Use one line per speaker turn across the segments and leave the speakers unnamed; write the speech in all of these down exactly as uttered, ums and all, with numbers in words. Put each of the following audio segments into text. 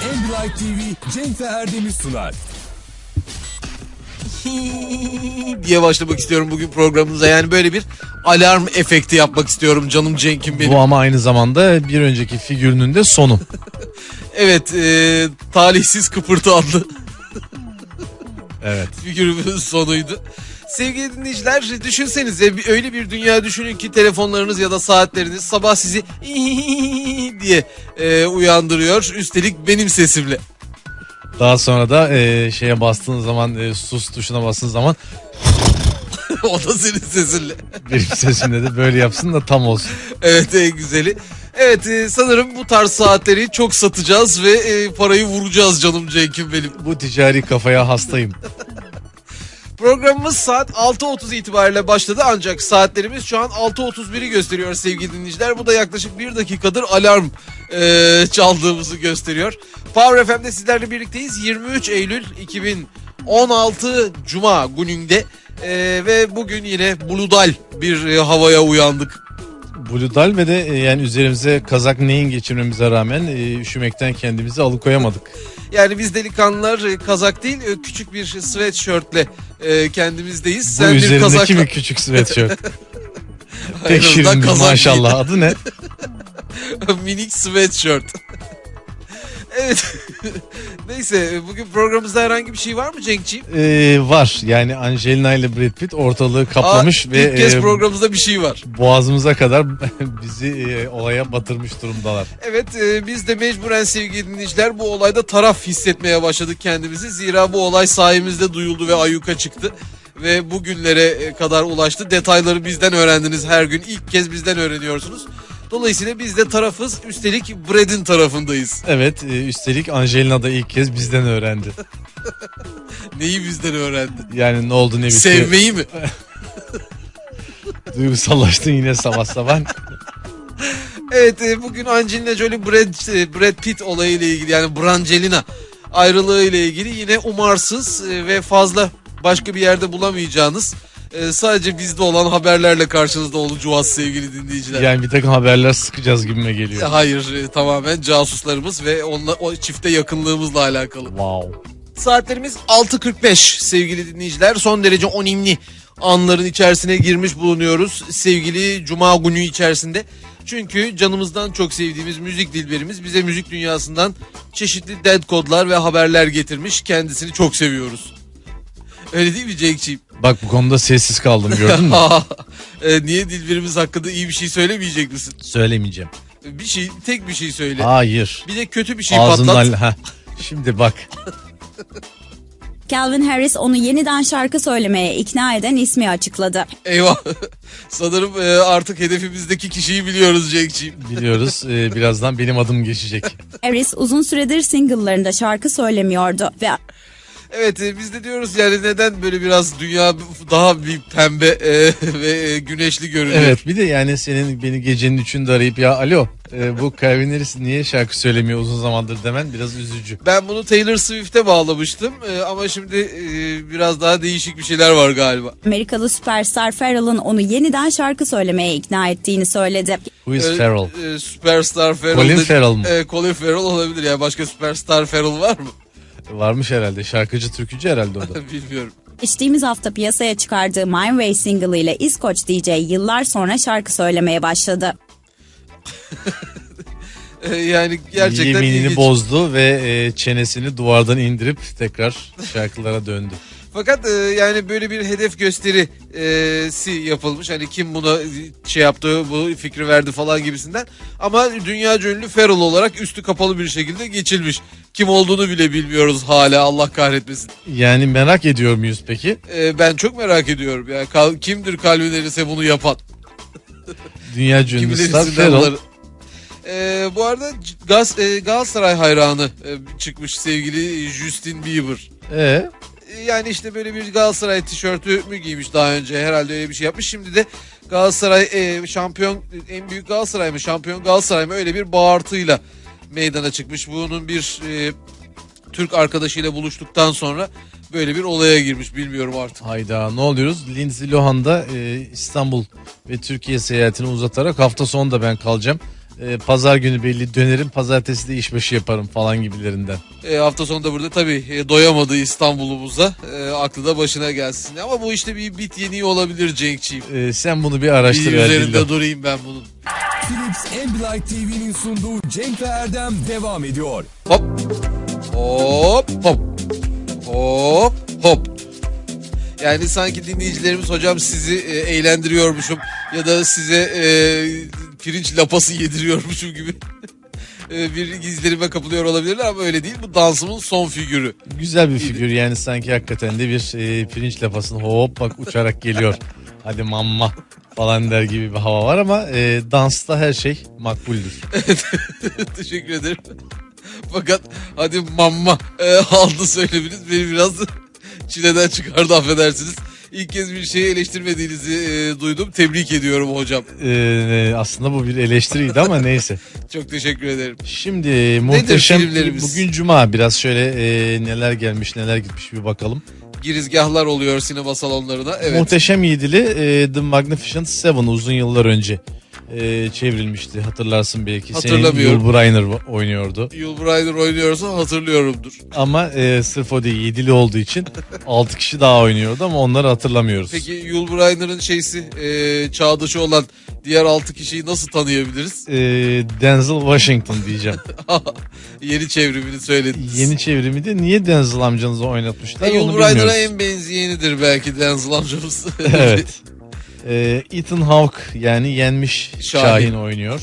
Ambilight T V Cenk ve Erdem'i sunar.
diye başlamak istiyorum bugün programımıza. Yani böyle bir alarm efekti yapmak istiyorum canım Cenk'im benim.
Bu ama aynı zamanda bir önceki figürünün de sonu.
Evet, e, talihsiz kıpırtı adlı
Evet.
figürümüzün sonuydu. Sevgili dinleyiciler, düşünsenize öyle bir dünya düşünün ki telefonlarınız ya da saatleriniz sabah sizi diye e, uyandırıyor. Üstelik benim sesimle.
Daha sonra da e, şeye bastığın zaman e, sus tuşuna bastığın zaman
O da senin sesinle.
benim sesimle de böyle yapsın da tam olsun.
Evet, en güzeli. Evet, e, sanırım bu tarz saatleri çok satacağız ve e, parayı vuracağız canım Cenk'im benim.
Bu ticari kafaya hastayım.
Programımız saat altı otuz itibariyle başladı ancak saatlerimiz şu an altı otuz biri gösteriyor sevgili dinleyiciler. Bu da yaklaşık bir dakikadır alarm e, çaldığımızı gösteriyor. Power F M'de sizlerle birlikteyiz. yirmi üç Eylül iki bin on altı Cuma gününde e, ve bugün yine buludal bir e, havaya uyandık.
Bludal ve de e, yani üzerimize kazak neyin geçirmemize rağmen e, üşümekten kendimizi alıkoyamadık.
Yani biz delikanlılar e, kazak değil e, küçük bir sweatshirtle e, kendimizdeyiz.
Bu
Sen bir
üzerindeki
kazakla...
mi küçük sweatshirt?
En
Pek
azından
şirin
kazak
maşallah. Adı ne?
Minik sweatshirt. Evet. Neyse, bugün programımızda herhangi bir şey var mı Cenk'ciğim?
Ee, var. Yani Angelina ile Brad Pitt ortalığı kaplamış
Aa,
ve
ilk kez
e,
programımızda bir şey var.
boğazımıza kadar bizi e, olaya batırmış durumdalar.
Evet, e, biz de mecburen sevgili dinleyiciler bu olayda taraf hissetmeye başladık kendimizi. Zira bu olay sayemizde duyuldu ve ayyuka çıktı. Ve bugünlere kadar ulaştı. Detayları bizden öğrendiniz her gün. İlk kez bizden öğreniyorsunuz. Dolayısıyla biz de tarafız. Üstelik Brad'in tarafındayız.
Evet, e, üstelik Angelina da ilk kez bizden öğrendi.
Neyi bizden öğrendi?
Yani ne oldu ne bitti.
Sevmeyi mi?
Duygusallaştın yine sabah sabah.
Evet, e, bugün Angelina Jolie Brad, e, Brad Pitt olayıyla ilgili, yani Brangelina ayrılığı ile ilgili yine umarsız e, ve fazla başka bir yerde bulamayacağınız e, sadece bizde olan haberlerle karşınızda olacağız sevgili dinleyiciler.
Yani bir takım haberler sıkacağız gibime geliyor.
Hayır, e, tamamen casuslarımız ve onunla, o çifte yakınlığımızla alakalı.
Wow.
Saatlerimiz altı kırk beş sevgili dinleyiciler. Son derece önemli anların içerisine girmiş bulunuyoruz sevgili Cuma günü içerisinde. Çünkü canımızdan çok sevdiğimiz müzik dilberimiz bize müzik dünyasından çeşitli dead kodlar ve haberler getirmiş. Kendisini çok seviyoruz. Öyle değil mi Cenk'ciğim?
Bak bu konuda sessiz kaldım, gördün mü?
e, niye dilberimiz hakkında iyi bir şey söylemeyecek misin?
Söylemeyeceğim.
Bir şey, tek bir şey söyle.
Hayır.
Bir de kötü bir şey
Ağzından...
patlat.
Heh. Şimdi bak.
Calvin Harris onu yeniden şarkı söylemeye ikna eden ismi açıkladı.
Eyvah. Sanırım e, artık hedefimizdeki kişiyi biliyoruz Cenk'ciğim.
Biliyoruz, e, birazdan benim adım geçecek.
Harris uzun süredir single'larında şarkı söylemiyordu ve
Evet, e, biz de diyoruz yani neden böyle biraz dünya daha bir pembe e, ve e, güneşli görünüyor.
Evet, bir de yani senin beni gecenin üçünde arayıp ya alo e, bu Calvin Harris niye şarkı söylemiyor uzun zamandır demen biraz üzücü.
Ben bunu Taylor Swift'e bağlamıştım e, ama şimdi e, biraz daha değişik bir şeyler var galiba.
Amerikalı süperstar Pharrell'ın onu yeniden şarkı söylemeye ikna ettiğini söyledi.
Who is
E,
Pharrell?
e, Superstar Pharrell.
Colin
de-
Farrell mı?
E, Colin Farrell olabilir ya, başka Superstar Pharrell var mı?
Varmış herhalde, şarkıcı türkücü herhalde o da.
Bilmiyorum.
Geçtiğimiz hafta piyasaya çıkardığı My Way single ile İskoç D J yıllar sonra şarkı söylemeye başladı.
E, yani gerçekten
Yeminini
ilginç.
bozdu ve e, çenesini duvardan indirip tekrar şarkılara döndü.
Fakat e, yani böyle bir hedef gösterisi yapılmış. Hani kim buna şey yaptı, bu fikri verdi falan gibisinden. Ama dünyaca ünlü Pharrell olarak üstü kapalı bir şekilde geçilmiş. Kim olduğunu bile bilmiyoruz hala, Allah kahretmesin.
Yani merak ediyor muyuz peki?
E, ben çok merak ediyorum. Yani kal, kimdir Calvin Harris'e bunu yapan?
Dünya ünlü
Kimileri
star
sizden
Pharrell.
bunları- E, bu arada Gaz, e, Galatasaray hayranı e, çıkmış sevgili Justin Bieber.
Ee,
Yani işte böyle bir Galatasaray tişörtü mü giymiş daha önce, herhalde öyle bir şey yapmış. Şimdi de Galatasaray e, şampiyon, en büyük Galatasaray mı, şampiyon Galatasaray mı, öyle bir bağırtıyla meydana çıkmış. Bunun bir e, Türk arkadaşıyla buluştuktan sonra böyle bir olaya girmiş, bilmiyorum artık.
hayda ne oluyoruz? Lindsay Lohan da e, İstanbul ve Türkiye seyahatini uzatarak hafta sonu da ben kalacağım. e, pazar günü belli dönerim, pazartesi de işbaşı yaparım falan gibilerinden.
E, hafta sonunda burada tabii e, doyamadığı İstanbul'umuza e, aklı da başına gelsin. Ama bu işte bir bit yeniği olabilir Cenk'ciğim.
E, sen bunu bir
Bir
araştır.
üzerinde
Erdil'le.
durayım ben bunun.
Philips Ambilight T V'nin sunduğu Cenk ve Erdem devam ediyor.
Hop. Hop hop. Hop hop. Yani sanki dinleyicilerimiz hocam sizi e, eğlendiriyormuşum ya da size e, pirinç lapası yediriyormuşum gibi e, bir izlenime kapılıyor olabilirler ama öyle değil. Bu dansımın son figürü.
Güzel bir figür yani, sanki hakikaten de bir e, pirinç lapasını hop bak uçarak geliyor. Hadi mamma falan der gibi bir hava var ama e, dansta her şey makbuldür.
Teşekkür ederim. Fakat hadi mamma e, aldı söylemeniz beni biraz çileden çıkardı, affedersiniz. İlk kez bir şeyi eleştirmediğinizi e, duydum. Tebrik ediyorum hocam.
E, aslında bu bir eleştiriydi ama neyse.
Çok teşekkür ederim.
Şimdi muhteşem,
filmlerimiz?
bugün cuma, biraz şöyle e, neler gelmiş neler gitmiş bir bakalım.
Girizgahlar oluyor sinema salonlarına. Evet.
Muhteşem Yedili e, The Magnificent Seven uzun yıllar önce e, çevrilmişti, hatırlarsın belki.
Hatırlamıyorum.
Senin Yul Brynner oynuyordu.
Yul Brynner oynuyorsa hatırlıyorumdur.
Ama e, sırf o değil, yedili olduğu için altı kişi daha oynuyordu ama onları hatırlamıyoruz.
Peki Yul Brynner'ın şeysi e, çağdaşı olan diğer altı kişiyi nasıl tanıyabiliriz?
E, Denzel Washington diyeceğim.
Yeni çevrimini söylediniz.
Yeni çevrimi de niye Denzel amcanızı oynatmışlar
E, Yul
onu
Brynner'a
bilmiyoruz.
en benzeyenidir belki Denzel amcamız.
Evet. E, Ethan Hawke yani yenmiş
Şahin.
Şahin oynuyor.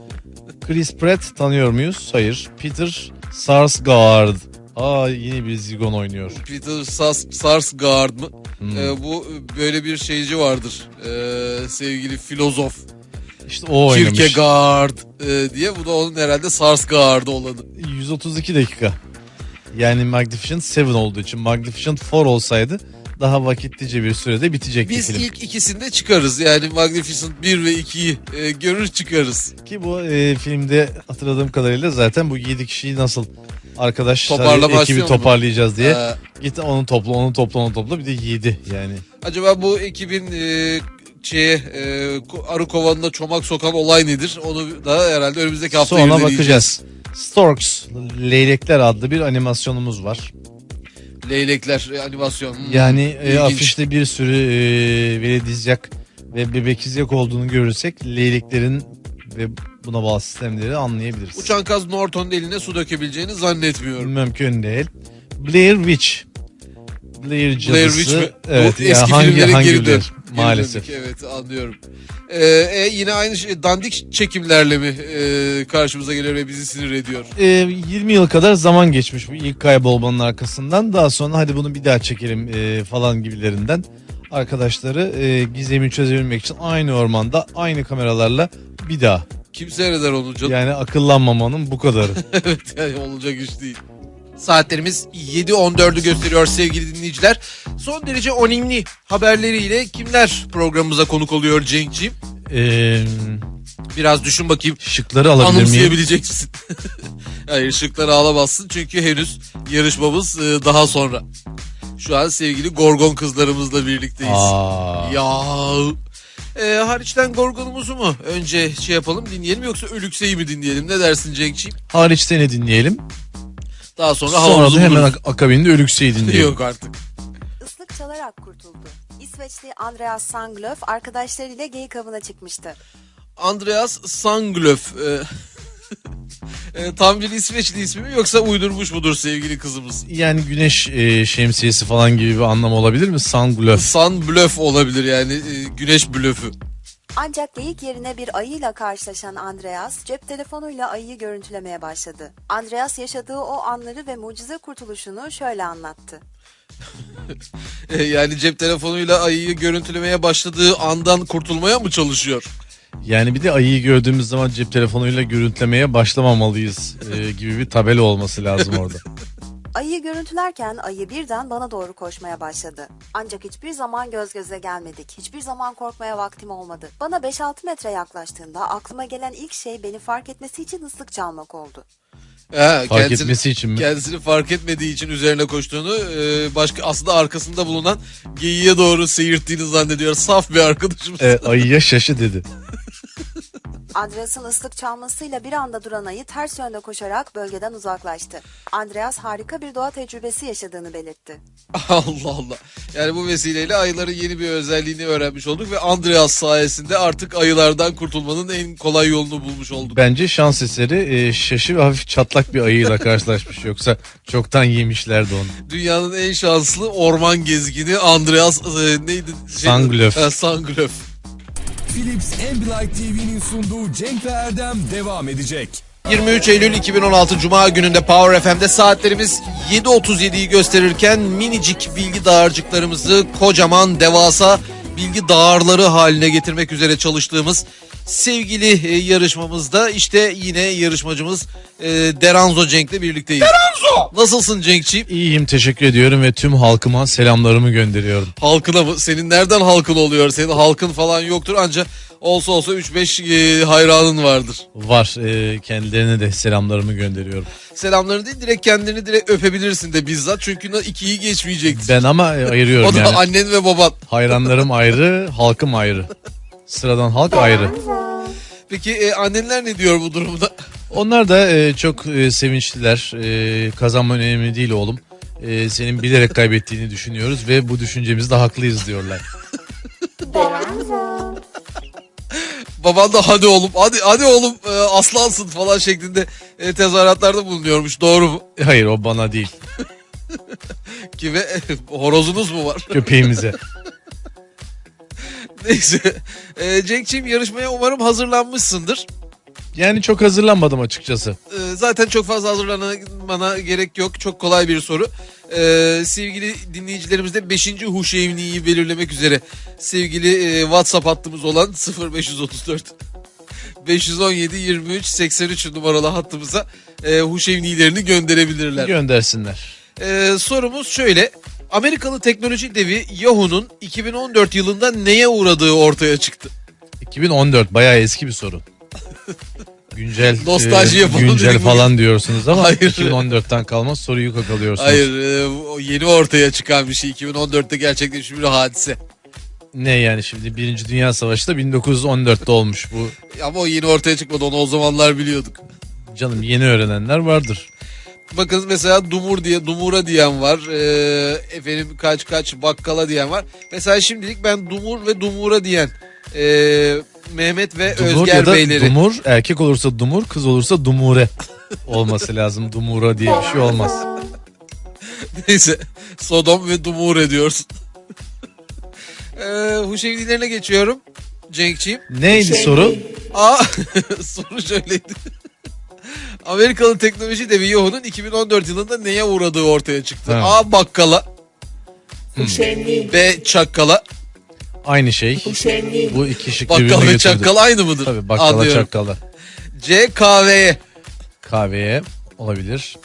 Chris Pratt tanıyor muyuz? Hayır. Peter Sarsgaard. Aa, yine bir zigon oynuyor.
Peter Sars Sarsgaard mı?
Hmm.
E, bu böyle bir şeyci vardır. E, sevgili filozof.
İşte o oynamış.
Kierkegaard e, diye. Bu da onun herhalde Sarsgaard olanı.
yüz otuz iki dakika. Yani Magnificent Seven olduğu için, Magnificent Four olsaydı daha vakitlice bir sürede bitecekti
Biz
film.
ilk ikisinde çıkarız. Yani Magnificent bir ve ikiyi e, görür çıkarız.
Ki bu e, filmde hatırladığım kadarıyla zaten bu yedi kişiyi nasıl arkadaşlar
Toparlama
ekibi
aksiyonu mu?
toparlayacağız diye.
Ee,
Git onu topla, onu topla, onu topla, bir de yedi yani.
acaba bu ekibin e, şeye e, arı kovanına çomak sokan olay nedir? Onu da herhalde önümüzdeki hafta
Sonra
irdeleyeceğiz.
bakacağız. Storks, Leylekler adlı bir animasyonumuz var.
Leylekler e, animasyon. Hmm,
Yani e,
ilginç.
afişte bir sürü e, veledizyak ve bebekizyak olduğunu görürsek leyleklerin ve buna bağlı sistemleri anlayabiliriz.
Uçan kaz Norton'un eline su dökebileceğini zannetmiyorum.
Mümkün değil. Blair Witch. Blair cadısı.
Blair Witch mi?
Evet.
Bu
ya
eski
hangi,
filmlere
hangi
geri dön.
Blair?
Geri
Maalesef.
döndük, evet, anlıyorum. Ee, e, yine aynı şey, dandik çekimlerle mi e, karşımıza geliyor ve bizi sinir ediyor?
E, yirmi yıl kadar zaman geçmiş bu ilk kaybolmanın arkasından. Daha sonra hadi bunu bir daha çekelim e, falan gibilerinden. Arkadaşları e, gizemi çözebilmek için aynı ormanda aynı kameralarla bir daha.
Kim seyreder onu canım?
Yani akıllanmamanın bu kadarı.
Evet, yani olacak iş değil. Saatlerimiz yedi on dördü gösteriyor sevgili dinleyiciler. Son derece önemli haberleriyle kimler programımıza konuk oluyor Cenk'ciğim?
Eee...
Biraz düşün bakayım.
Şıkları alabilir miyim?
Anımsayabilecek misin? Hayır, şıkları alamazsın çünkü henüz yarışmamız e, daha sonra. Şu an sevgili Gorgon kızlarımızla birlikteyiz.
Aa.
Ya. E, hariçten Gorgon'umuzu mu önce şey yapalım, dinleyelim, yoksa Ölükse'yi mi dinleyelim? Ne dersin Cenk'ciğim?
Hariç seni dinleyelim.
Daha sonra,
Sonra
havamızı
da hemen
buluruz.
ak- akabinde Ölükse'yi dinleyelim.
Yok artık.
Islık çalarak kurtuldu. İsveçli Andreas Sanglöf arkadaşlarıyla geyik avına çıkmıştı.
Andreas Sanglöf. E, e, tam bir İsveçli ismi mi yoksa uydurmuş mudur sevgili kızımız?
Yani güneş e, şemsiyesi falan gibi bir anlam olabilir mi? Sanglöf.
Sun blöf olabilir yani, e, güneş blöfü.
Ancak geyik yerine bir ayıyla karşılaşan Andreas cep telefonuyla ayıyı görüntülemeye başladı. Andreas yaşadığı o anları ve mucize kurtuluşunu şöyle anlattı.
E, yani cep telefonuyla ayıyı görüntülemeye başladığı andan kurtulmaya mı çalışıyor?
Yani bir de ayıyı gördüğümüz zaman cep telefonuyla görüntülemeye başlamamalıyız e, gibi bir tabela olması lazım orada.
Ayıyı görüntülerken ayı birden bana doğru koşmaya başladı. Ancak hiçbir zaman göz göze gelmedik. Hiçbir zaman korkmaya vaktim olmadı. Bana beş altı metre yaklaştığında aklıma gelen ilk şey beni fark etmesi için ıslık çalmak oldu.
Ha,
Fark
kendisini,
etmesi için mi?
kendisini fark etmediği için üzerine koştuğunu, e, başka aslında arkasında bulunan geyiğe doğru seyirttiğini zannediyor. Saf bir arkadaşımız.
E, ayıya şaşı dedi.
Andreas'ın ıslık çalmasıyla bir anda duran ayı ters yönde koşarak bölgeden uzaklaştı. Andreas harika bir doğa tecrübesi yaşadığını belirtti.
Allah Allah. Yani bu vesileyle ayıların yeni bir özelliğini öğrenmiş olduk ve Andreas sayesinde artık ayılardan kurtulmanın en kolay yolunu bulmuş olduk.
Bence şans eseri e, şaşı ve hafif çatlak bir ayıyla karşılaşmış. Yoksa çoktan yemişlerdi onu.
Dünyanın en şanslı orman gezgini Andreas e, neydi? Şey,
Sanglöf.
Ha, Sanglöf.
Philips Ambilight T V'nin sunduğu Cenk ve Erdem devam edecek.
yirmi üç Eylül iki bin on altı Cuma gününde Power F M'de saatlerimiz yedi otuz yediyi gösterirken minicik bilgi dağarcıklarımızı kocaman devasa bilgi dağarları haline getirmek üzere çalıştığımız sevgili e, yarışmamızda işte yine yarışmacımız e, Deranzo Cenk'le birlikteyiz. Deranzo! Nasılsın Cenk'ciğim?
İyiyim, teşekkür ediyorum ve tüm halkıma selamlarımı gönderiyorum.
Halkına mı? Senin nereden halkın oluyor? Senin halkın falan yoktur ancak olsa olsa üç beş e, hayranın vardır.
Var, e, kendilerine de selamlarımı gönderiyorum.
Selamlarını değil direkt kendini direkt öpebilirsin de bizzat çünkü ikiyi geçmeyecektir.
Ben ama e, ayırıyorum
O da
yani.
annen ve baban.
Hayranlarım ayrı, halkım ayrı. Sıradan halk ayrı.
Peki e, annenler ne diyor bu durumda?
Onlar da e, çok e, sevinçliler. E, kazanman önemli değil oğlum. E, senin bilerek kaybettiğini düşünüyoruz ve bu düşüncemizde haklıyız diyorlar.
Baban da hadi oğlum hadi hadi oğlum e, aslansın falan şeklinde e, tezahüratlarda bulunuyormuş, doğru mu?
Hayır, o bana değil,
Kime? Horozunuz mu var?
köpeğimize.
Neyse. E, Cenk'ciğim yarışmaya umarım hazırlanmışsındır.
Yani çok hazırlanmadım açıkçası.
E, zaten çok fazla hazırlanmana gerek yok. Çok kolay bir soru. E, sevgili dinleyicilerimiz de beşinci Huşevni'yi belirlemek üzere sevgili e, WhatsApp hattımız olan sıfır beş otuz dört beş on yedi yirmi üç seksen üç numaralı hattımıza e, Huşevni'lerini gönderebilirler.
Göndersinler.
E, sorumuz şöyle. Amerikalı teknoloji devi Yahoo'nun iki bin on dört yılında neye uğradığı ortaya çıktı.
iki bin on dört bayağı eski bir soru. Güncel,
Nostalji
e,
yapalım
güncel
dedik
falan diyorsunuz ama
Hayır.
iki bin on dörtten kalma soruyu kakalıyorsunuz.
Hayır, e, o yeni ortaya çıkan bir şey. iki bin on dörtte gerçekleşmiş bir hadise.
Ne yani şimdi Birinci Dünya Savaşı da bin dokuz yüz on dörtte olmuş bu.
Ama o yeni ortaya çıkmadı, onu o zamanlar biliyorduk.
Canım, yeni öğrenenler vardır.
Bakın mesela Dumur diye Dumura diyen var. Ee, efendim kaç kaç bakkala diyen var. Mesela şimdilik ben Dumur ve Dumura diyen ee, Mehmet ve
Dumur
Özger
ya da
beyleri.
Dumur, erkek olursa Dumur, kız olursa Dumure olması lazım. Dumura diye bir şey olmaz.
Neyse Sodom ve Dumure diyorsun. ee, Huşevnilerine geçiyorum Cenk'ciğim.
Neydi soru?
Aa, soru şöyleydi. Amerikalı teknoloji devi Yahoo'nun iki bin on dört yılında neye uğradığı ortaya çıktı.
Ha.
A. Bakkala. B. Çakkala.
Aynı şey. Bu iki şık birbirine
Bakkal ve
götürdü.
çakkal aynı mıdır?
Tabii, bakkala
Anlıyorum.
çakkala.
C. Kahveye.
Kahveye olabilir.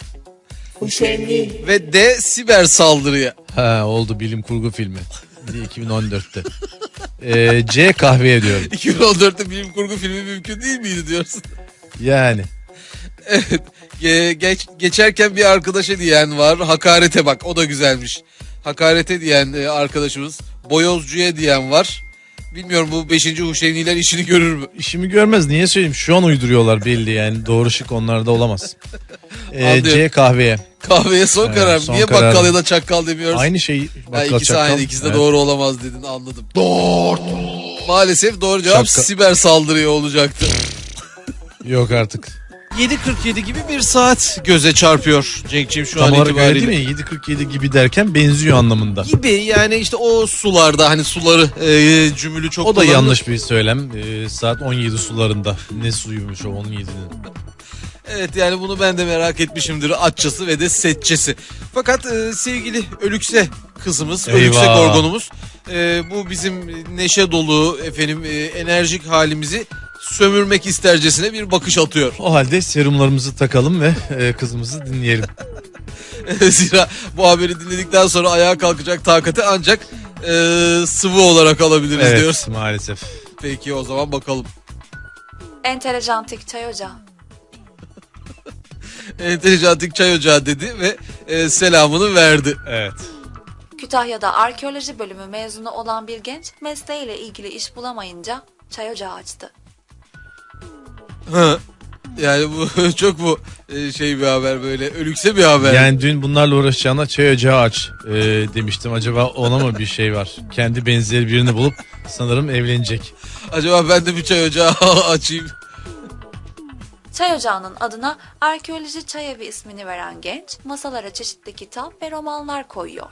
Ve D. Siber saldırıya.
Ha, oldu, bilim kurgu filmi. iki bin on dörtte. Ee, C kahveye diyorum.
iki bin on dörtte bilim kurgu filmi mümkün değil miydi diyorsun?
Yani.
Evet. Ge- geç, geçerken bir arkadaşa diyen var. Hakarete bak, o da güzelmiş. Hakarete diyen e, arkadaşımız. Boyozcuya diyen var. Bilmiyorum bu beşinci Huşevniler işini görür mü?
İşimi görmez, niye söyleyeyim, şu an uyduruyorlar belli yani, doğru şık onlarda olamaz. Ee,
Anlıyorum.
C kahveye.
Kahveye son
Evet,
karar.
son
Niye
karar.
bakkal ya da çakkal demiyoruz?
Aynı şey,
Ha,
bakkal
ikisi
çakkal.
aynı, ikisi de
Evet.
doğru olamaz dedin, anladım. Doğru. Maalesef doğru cevap
Çakkal.
siber saldırıya olacaktı.
Yok artık.
yedi kırk yedi gibi bir saat göze çarpıyor Cenk'ciğim şu
Tam
an
olarak öyle
itibariyle.
değil mi? yedi kırk yedi gibi derken benziyor anlamında.
Gibi yani işte o sularda hani suları e, cümülü çok
O da
kullanılır.
yanlış bir söylem. Ee, saat on yedi sularında. Ne suyumuş o on yedinin?
Evet yani bunu ben de merak etmişimdir, atçısı ve de setçesi. Fakat e, sevgili Ölükse kızımız,
Eyvah.
Ölükse gorgonumuz e, bu bizim neşe dolu efendim e, enerjik halimizi sömürmek istercesine bir bakış atıyor.
O halde serumlarımızı takalım ve e, kızımızı dinleyelim.
Zira bu haberi dinledikten sonra ayağa kalkacak takati ancak e, sıvı olarak alabiliriz
Evet,
diyoruz.
maalesef.
Peki o zaman bakalım.
Entelejantik çay ocağı.
Entelejantik çay ocağı dedi ve e, selamını verdi.
Evet.
Kütahya'da arkeoloji bölümü mezunu olan bir genç mesleğiyle ilgili iş bulamayınca çay ocağı açtı.
Ha. Yani bu çok bu e, şey bir haber, böyle ölükse bir haber.
Yani dün bunlarla uğraşacağına çay ocağı aç e, demiştim. Acaba ona mı bir şey var? Kendi benzeri birini bulup sanırım evlenecek.
Acaba ben de bir çay ocağı açayım.
Çay ocağının adına arkeoloji çay evi ismini veren genç masalara çeşitli kitap ve romanlar koyuyor.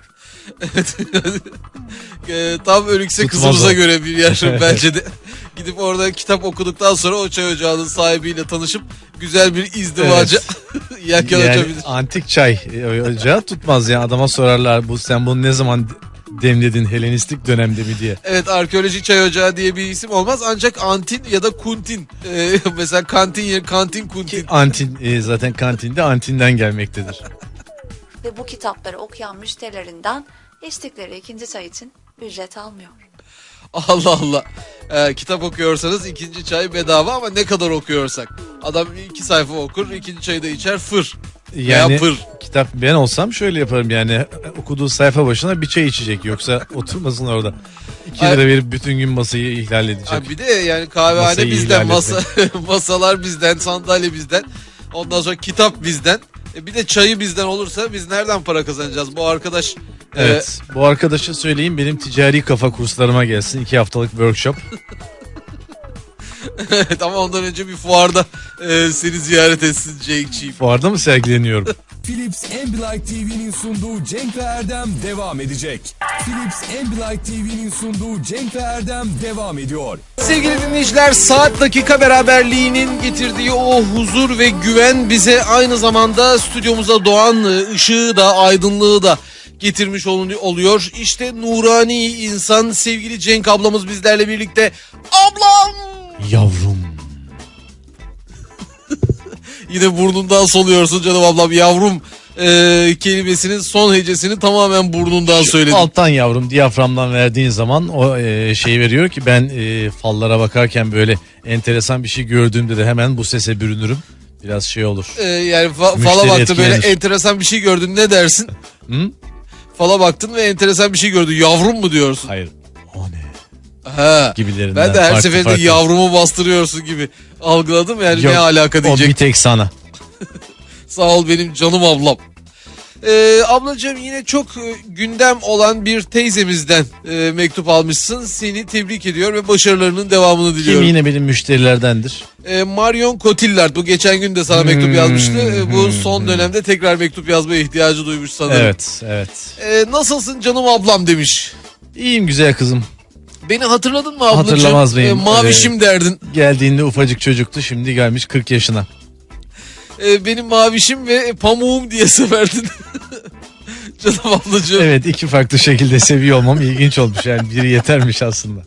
E, tam ölükse
Tutmaz
kızımıza
o.
göre bir yer bence de. Gidip orada kitap okuduktan sonra o çay ocağının sahibiyle tanışıp güzel bir izdivaca yelken
Yani
açabilir.
antik çay e, ocağı tutmaz yani. Adama sorarlar, bu sen bunu ne zaman demledin, Helenistik dönemde mi diye.
Evet, arkeoloji çay ocağı diye bir isim olmaz, ancak antin ya da kuntin. E, mesela kantin yer, kantin kuntin.
Antin e, zaten kantinde antinden gelmektedir.
Ve bu kitapları okuyan müşterilerinden içtikleri ikinci çay için ücret almıyor.
Allah Allah. Ee, kitap okuyorsanız ikinci çay bedava, ama ne kadar okuyorsak. Adam iki sayfa okur, ikinci çayı da içer, fır.
Yani
Veya pır.
kitap, ben olsam şöyle yaparım yani, okuduğu sayfa başına bir çay içecek, yoksa oturmasın orada. iki lira verip bütün gün masayı ihlal edecek.
Ha, bir de yani kahvehane
Masayı
bizden,
ihlal
masa, masalar bizden, sandalye bizden. Ondan sonra kitap bizden. E, bir de çayı bizden olursa biz nereden para kazanacağız? Bu arkadaş... e,
Evet, bu arkadaşa söyleyeyim benim ticari kafa kurslarıma gelsin, iki haftalık workshop.
evet, ama ondan önce bir fuarda e, seni ziyaret etsin Cenk'ciğim.
Fuarda mı sergileniyorum?
Philips Ambilight T V'nin sunduğu Cenk ve Erdem devam edecek. Philips Ambilight T V'nin sunduğu Cenk ve Erdem devam ediyor.
Sevgili dinleyiciler, saat dakika beraberliğinin getirdiği o huzur ve güven bize aynı zamanda stüdyomuza doğan ışığı da aydınlığı da getirmiş oluyor. İşte nurani insan sevgili Cenk ablamız bizlerle birlikte. Ablam!
Yavrum.
Yine burnundan soluyorsun canım ablam. Yavrum e, kelimesinin son hecesini tamamen burnundan söyledin.
Alttan yavrum, diyaframdan verdiğin zaman o e, şey veriyor ki ben e, fallara bakarken böyle enteresan bir şey gördüğümde de hemen bu sese bürünürüm. Biraz şey olur.
E, yani fa-
Müşteri
fala baktı, böyle
etkilenir.
enteresan bir şey gördün, ne dersin?
Hı?
Fala baktın ve enteresan bir şey gördün. Yavrum mu diyorsun?
Hayır. O ne?
Ha.
Gibilerinden.
Ben de her
Farklı
seferinde
farklı.
yavrumu bastırıyorsun gibi algıladım, yani
Yok,
ne alaka
o
diyecek.
bir tek sana.
Sağ ol benim canım ablam. Ee, ablacığım, yine çok e, gündem olan bir teyzemizden e, mektup almışsın. Seni tebrik ediyor ve başarılarının devamını
Kim
diliyorum.
yine benim müşterilerdendir.
E, Marion Cotillard bu geçen gün de sana mektup
Hmm,
yazmıştı. E, bu
hmm,
son
hmm.
dönemde tekrar mektup yazmaya ihtiyacı duymuş sanırım.
Evet, evet.
E, nasılsın canım ablam demiş.
İyiyim güzel kızım.
Beni hatırladın mı ablacığım?
Hatırlamaz mıyım?
E, mavişim derdin.
Geldiğinde ufacık çocuktu, şimdi gelmiş kırk yaşına.
E, benim mavişim ve pamuğum diye severdin. Canım ablacığım.
Evet, iki farklı şekilde seviyor olmam ilginç olmuş, yani biri yetermiş aslında.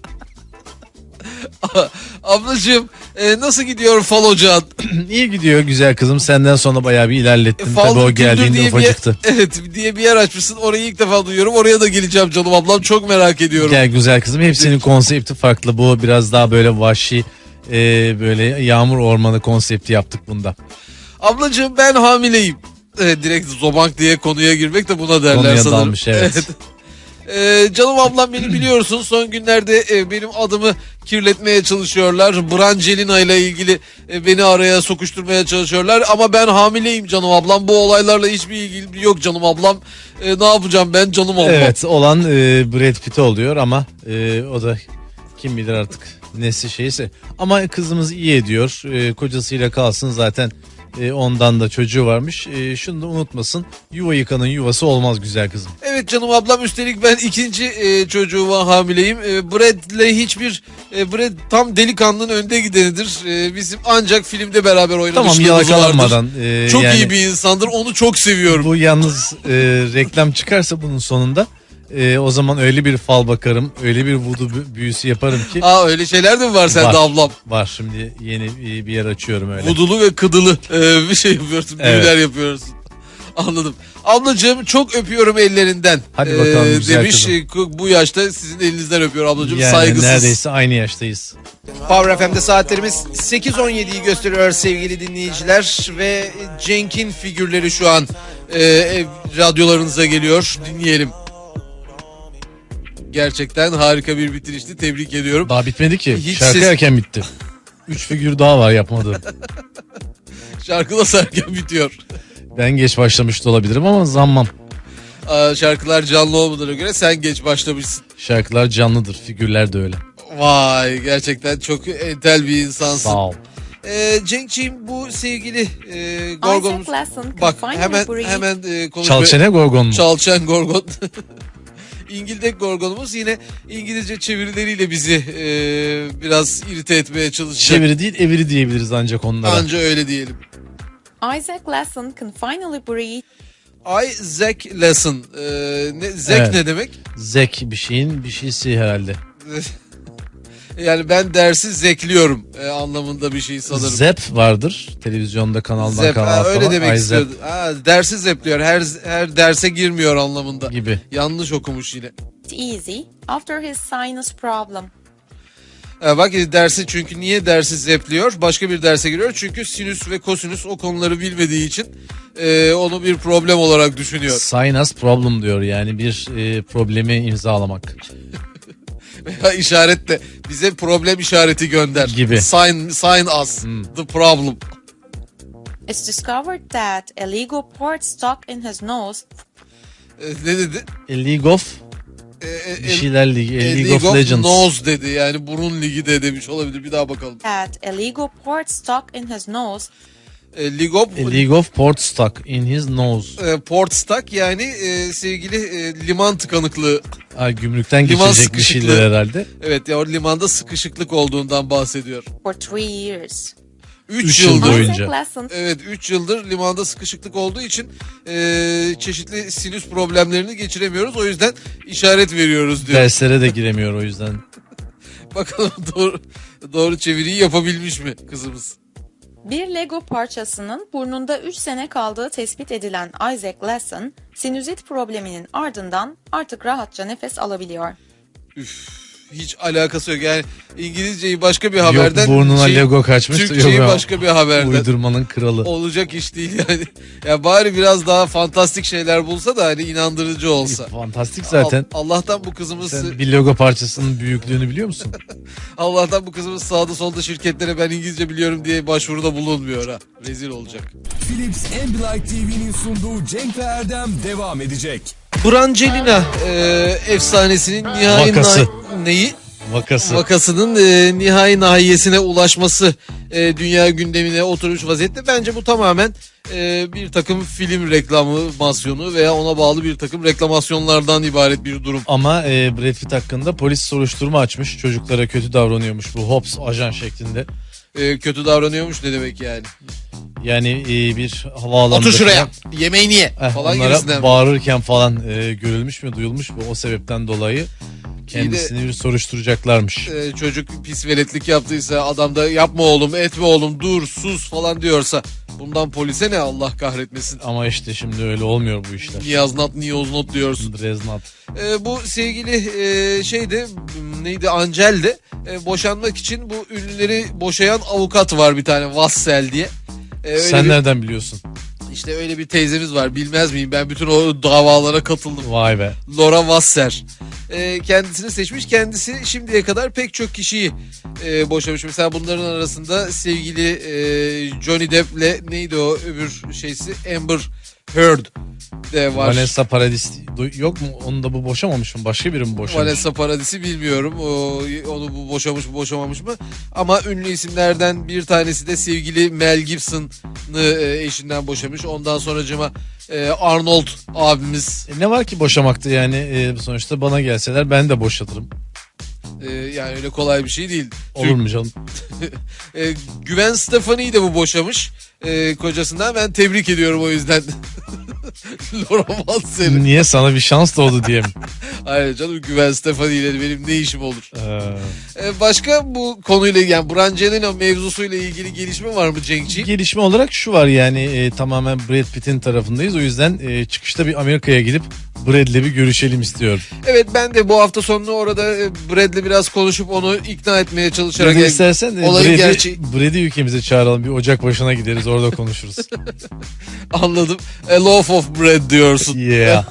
Ablacığım e, nasıl gidiyor fal ocağın?
İyi gidiyor güzel kızım, senden sonra bayağı bir ilerlettim.
E, Fal
Tabii o
Kültür
geldiğinde
diye bir yer-
ufacıktı.
evet, diye bir yer açmışsın. Orayı ilk defa duyuyorum. Oraya da geleceğim canım ablam. Çok merak ediyorum.
Gel güzel kızım, hepsinin konsepti farklı. Bu biraz daha böyle vahşi, e, böyle yağmur ormanı konsepti yaptık bunda.
Ablacığım ben hamileyim. E, direkt zobank diye konuya girmek de buna derler
Konuya
sanırım.
dalmış, evet.
E, canım ablam, beni biliyorsun, son günlerde e, benim adımı kirletmeye çalışıyorlar. Brangelina ile ilgili e, beni araya sokuşturmaya çalışıyorlar. Ama ben hamileyim canım ablam. Bu olaylarla hiçbir ilgim yok canım ablam. E, ne yapacağım ben canım ablam?
Evet, olan e, Brad Pitt oluyor ama e, o da kim bilir artık nesi şeyse. Ama kızımız iyi ediyor. E, kocasıyla kalsın zaten, e, ondan da çocuğu varmış. E, şunu da unutmasın, yuva yıkanın yuvası olmaz güzel kızım.
Evet canım ablam, üstelik ben ikinci e, çocuğuma hamileyim. E, Brad'le hiçbir e, Brad tam delikanlının önde gidenidir. E, bizim ancak filmde beraber
Tamam,
oynamışlığımız
yalakalanmadan.
vardır.
e,
Çok
yani
iyi bir insandır. Onu çok seviyorum.
Bu yalnız e, reklam çıkarsa bunun sonunda, e, o zaman öyle bir fal bakarım, öyle bir vudu bü- büyüsü yaparım ki.
Aa, öyle şeyler de mi var sende
Var.
ablam?
Var, şimdi yeni e, bir yer açıyorum öyle.
Vudulu ve kıdılı e, bir şey yapıyorsun.
Evet.
Büyüler yapıyorsun. Anladım. Ablacığım çok öpüyorum ellerinden.
Hadi bakalım güzel
demiş.
kızım.
E, Bu yaşta sizin elinizden öpüyor ablacığım.
Yani
Saygısız.
neredeyse aynı yaştayız.
Power F M'de saatlerimiz sekiz on yediyi gösteriyor sevgili dinleyiciler ve Cenk'in figürleri şu an e, e, radyolarınıza geliyor. Dinleyelim. Gerçekten harika bir bitirişti. Tebrik ediyorum.
Daha bitmedi ki.
Hiç
Şarkı
ses-
erken bitti. Üç figür daha var yapmadığım.
Şarkı da erken bitiyor.
Ben geç başlamış da olabilirim ama zammam.
Aa, şarkılar canlı olmadığına göre sen geç başlamışsın.
Şarkılar canlıdır, figürler de öyle.
Vay, gerçekten çok entel bir insansın.
Sağ ol.
Ee, Cenk'ciğim, bu sevgili e, Gorgon'umuz.
Isaac Lasson
Bak
can
hemen
finally breathe.
hemen e, konuşmaya...
Çalçene Gorgon mu?
Çalçan Gorgon. İngildek Gorgon'umuz yine İngilizce çevirileriyle bizi e, biraz irite etmeye çalışacak.
Çeviri değil, eviri diyebiliriz ancak onlara.
Anca öyle diyelim.
Isaac Lasson can finally breathe.
Isaac Lesson. E, ne, Zek
Evet.
ne demek?
Zek bir şeyin bir şeysi herhalde.
Yani ben dersi zekliyorum e, anlamında bir şey sanırım.
Zep vardır. Televizyonda kanaldan
Zep,
kanala
ha, öyle
falan.
demek
Ay,
istiyordu. Ha, dersi zepliyor. Her her derse girmiyor anlamında.
Zep gibi.
Yanlış okumuş yine.
easy after his sinus problem.
Ha, bak dersi, çünkü niye dersi zepliyor? Başka bir derse giriyor. Çünkü sinüs ve kosinüs o konuları bilmediği için e, onu bir problem olarak düşünüyor.
Sinus problem diyor, yani bir e, problemi imzalamak.
Veya işaret de bize problem işareti gönder.
Gibi.
Sign, sign us
Hmm.
the problem.
It's discovered that a Lego port stuck in his nose
E, ne dedi?
A League of
E, e,
bir şeyler ligi. A
e,
League of Legends.
Nose dedi. Yani burun ligi de demiş olabilir. Bir daha bakalım.
that a Lego port stuck in his nose
E, League of,
A League of Port stuck in his nose.
e, port stuck, yani e, sevgili e, liman tıkanıklığı.
Ha, gümrükten
Liman
geçecek bir
sıkışıklığı.
şeyler herhalde.
Evet ya, o limanda sıkışıklık olduğundan bahsediyor.
for three years.
üç
Üç
yıldır.
yıl boyunca.
Isaac Lasson
Evet, üç yıldır limanda sıkışıklık olduğu için e, çeşitli sinüs problemlerini geçiremiyoruz. O yüzden işaret veriyoruz diyor.
Derslere de giremiyor o yüzden.
Bakalım doğru doğru çeviriyi yapabilmiş mi kızımız?
bir Lego parçasının burnunda üç sene kaldığı tespit edilen Isaac Lasson, sinüzit probleminin ardından artık rahatça nefes alabiliyor.
Hiç alakası yok. Yani İngilizceyi başka bir haberden,
Yok burnuna
şey-
Lego kaçmış.
Türkçeyi
yok,
başka bir haberden.
Uydurmanın kralı.
Olacak iş değil yani. Ya bari biraz daha fantastik şeyler bulsa da hani inandırıcı olsa.
Fantastik zaten.
Al- Allah'tan bu kızımız
Sen bir Lego parçasının büyüklüğünü biliyor musun?
Allah'tan bu kızımız sağda solda şirketlere ben İngilizce biliyorum diye başvuruda bulunmuyor ha. Rezil olacak.
Philips Ambilight T V'nin sunduğu Cenk ve Erdem devam edecek.
Brangelina e, efsanesinin nihai
Vakası.
na- neyi?
Vakası.
Vakasının e, nihai nahiyesine ulaşması e, dünya gündemine oturmuş vaziyette. Bence bu tamamen e, bir takım film reklamasyonu veya ona bağlı bir takım reklamasyonlardan ibaret bir durum.
Ama e, Brad Pitt hakkında polis soruşturma açmış. Çocuklara kötü davranıyormuş bu Hobbs ajan şeklinde.
E, kötü davranıyormuş ne demek yani?
Yani e, bir havaalanında
Otur şuraya.
falan,
Yemeği niye?
eh,
falan
onlara
gibisinden.
bağırırken falan e, görülmüş mü duyulmuş mu, o sebepten dolayı kendisini bir soruşturacaklarmış.
E, çocuk pis veletlik yaptıysa, adam da yapma oğlum, etme oğlum, dur, sus falan diyorsa bundan polise ne, Allah kahretmesin.
Ama işte şimdi öyle olmuyor bu işler.
Niyaz not, niyoz not diyorsun.
Dreznat.
E, bu sevgili e, şeyde neydi, Angel de e, boşanmak için bu ünlüleri boşayan avukat var bir tane, Vassel diye. E, öyle
Sen
bir,
nereden biliyorsun?
işte öyle bir teyzemiz var, bilmez miyim, ben bütün o davalara katıldım.
Vay be.
Laura Wasser. E, kendisini seçmiş. Kendisi şimdiye kadar pek çok kişiyi e, boşamış. Mesela bunların arasında sevgili e, Johnny Depp'le neydi o öbür şeysi, Amber Heard de var.
Vanessa Paradis du- yok mu? Onu da bu boşamamış mı? Başka biri mi boşamış?
Vanessa Paradis'i bilmiyorum. O, onu bu boşamış mı boşamamış mı? Ama ünlü isimlerden bir tanesi de sevgili Mel Gibson'ı e, eşinden boşamış. Ondan sonracıma e, Arnold abimiz,
E ne var ki boşamakta yani, e, sonuçta bana gelseler ben de boşatırım.
e, yani öyle kolay bir şey değil.
Olur mu canım?
E, Gwen Stefani'yi de bu boşamış e, kocasından. Ben tebrik ediyorum o yüzden. Laura Wasser'i.
Niye, sana bir şans doğdu diye mi?
Hayır canım, Gwen Stefani ile benim ne işim olur?
Ee,
E, başka bu konuyla, yani Brangelina mevzusuyla ilgili gelişme var mı Cenk'ciğim?
gelişme olarak şu var yani, e, tamamen Brad Pitt'in tarafındayız. O yüzden e, çıkışta bir Amerika'ya gidip Brad'le bir görüşelim istiyorum.
Evet, ben de bu hafta sonunu orada e, Brad'le biraz konuşup onu ikna etmeye çalışarak.
Brad'ı istersen de
olayın
Brad'i,
gerçeği-
Brad'i ülkemize çağıralım. Bir ocak başına gideriz, orada konuşuruz.
Anladım. A loaf of bread diyorsun.
Yeah.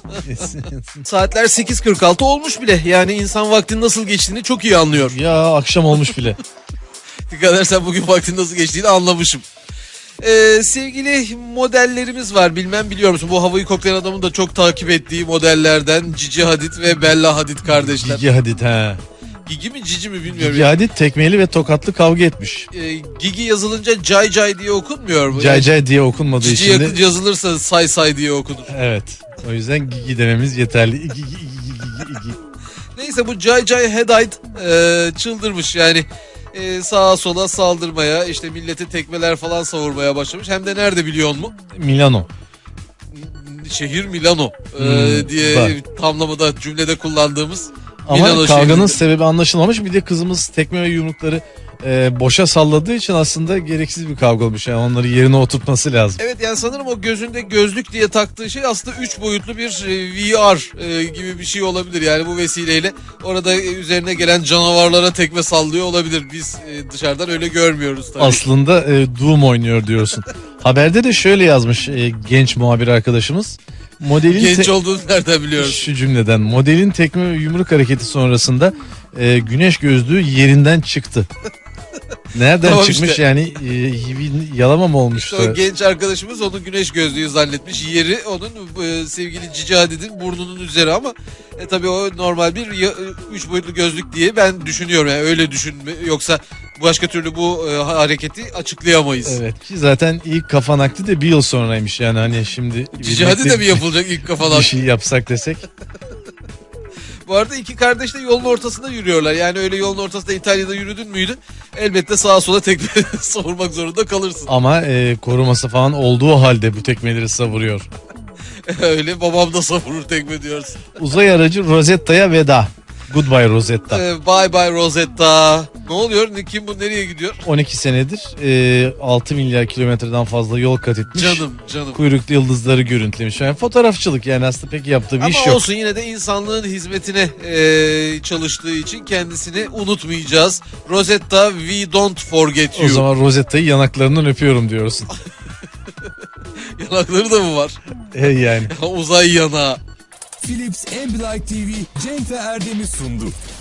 Saatler sekiz kırk altı olmuş bile. Yani insan vaktin nasıl geçtiğini çok iyi anlıyor.
Ya akşam olmuş bile.
Dikkat edersen bugün vaktin nasıl geçtiğini anlamışım. Ee, sevgili modellerimiz var. Bilmem biliyor musun? Bu havayı koklayan adamın da çok takip ettiği modellerden Cici Hadid ve Bella Hadid kardeşler.
Gigi Hadid ha.
Gigi mi Cici mi bilmiyorum.
Gigi Hadid tekmeli ve tokatlı kavga etmiş.
Ee, Gigi yazılınca Cay Cay diye okunmuyor mu?
Cay Cay diye okunmadığı
Cici
için de...
yakın yazılırsa Say Say diye okunur.
Evet. O yüzden Gigi dememiz yeterli. Gigi, Gigi, Gigi, Gigi.
Neyse bu Cay Cay Hadid e, çıldırmış yani. E, sağa sola saldırmaya, işte millete tekmeler falan savurmaya başlamış. Hem de nerede biliyor musun?
Milano.
Şehir Milano e,
Hmm,
diye
var.
tamlamada cümlede kullandığımız
Ama
Milano
kavganın
şehrinde.
sebebi anlaşılmamış. Bir de kızımız tekme ve yumrukları e, boşa salladığı için aslında gereksiz bir kavga olmuş. Yani onları yerine oturtması lazım.
Evet yani sanırım o gözünde gözlük diye taktığı şey aslında üç boyutlu bir e, V R e, gibi bir şey olabilir. Yani bu vesileyle orada e, üzerine gelen canavarlara tekme sallıyor olabilir. Biz e, dışarıdan öyle görmüyoruz tabii.
Aslında e, Doom oynuyor diyorsun. Haberde de şöyle yazmış e, genç muhabir arkadaşımız. Modelin
Genç
te-
olduğunu nereden biliyoruz?
Şu cümleden modelin tekme ve yumruk hareketi sonrasında e, güneş gözlüğü yerinden çıktı. Nereden
Tamam
çıkmış
işte.
yani e, bir yalama mı olmuştu?
İşte o genç arkadaşımız onu güneş gözlüğü zannetmiş. Yeri onun e, sevgili Cici Hadid'in burnunun üzeri ama e, tabii o normal bir ya, e, üç boyutlu gözlük diye ben düşünüyorum. Yani öyle düşünme yoksa başka türlü bu e, hareketi açıklayamayız.
Evet ki zaten ilk kafa nakli de bir yıl sonraymış yani hani şimdi
Cici Hadid de mi yapılacak ilk
bir
kafadan?
şey yapsak desek.
Bu arada iki kardeş de yolun ortasında yürüyorlar. Yani öyle yolun ortasında İtalya'da yürüdün müydü? Elbette sağa sola tekme savurmak zorunda kalırsın.
Ama e, koruması falan olduğu halde bu tekmeleri savuruyor.
Öyle babam da savurur tekme diyorsun.
Uzay aracı Rosetta'ya veda. Goodbye Rosetta.
Ee, bye bye Rosetta. Ne oluyor? Kim bu nereye gidiyor?
on iki senedir e, altı milyar kilometreden fazla yol kat etmiş.
Canım canım.
Kuyruklu yıldızları görüntülemiş. Yani fotoğrafçılık yani aslında pek yaptığı bir
Ama
iş yok.
olsun yine de insanlığın hizmetine e, çalıştığı için kendisini unutmayacağız. Rosetta, we don't forget
O
you.
zaman Rosetta'yı yanaklarından öpüyorum diyorsun.
Yanakları da mı var?
E yani.
Uzay yanağı.
Philips Ambilight T V Cenk ve Erdem'i sundu.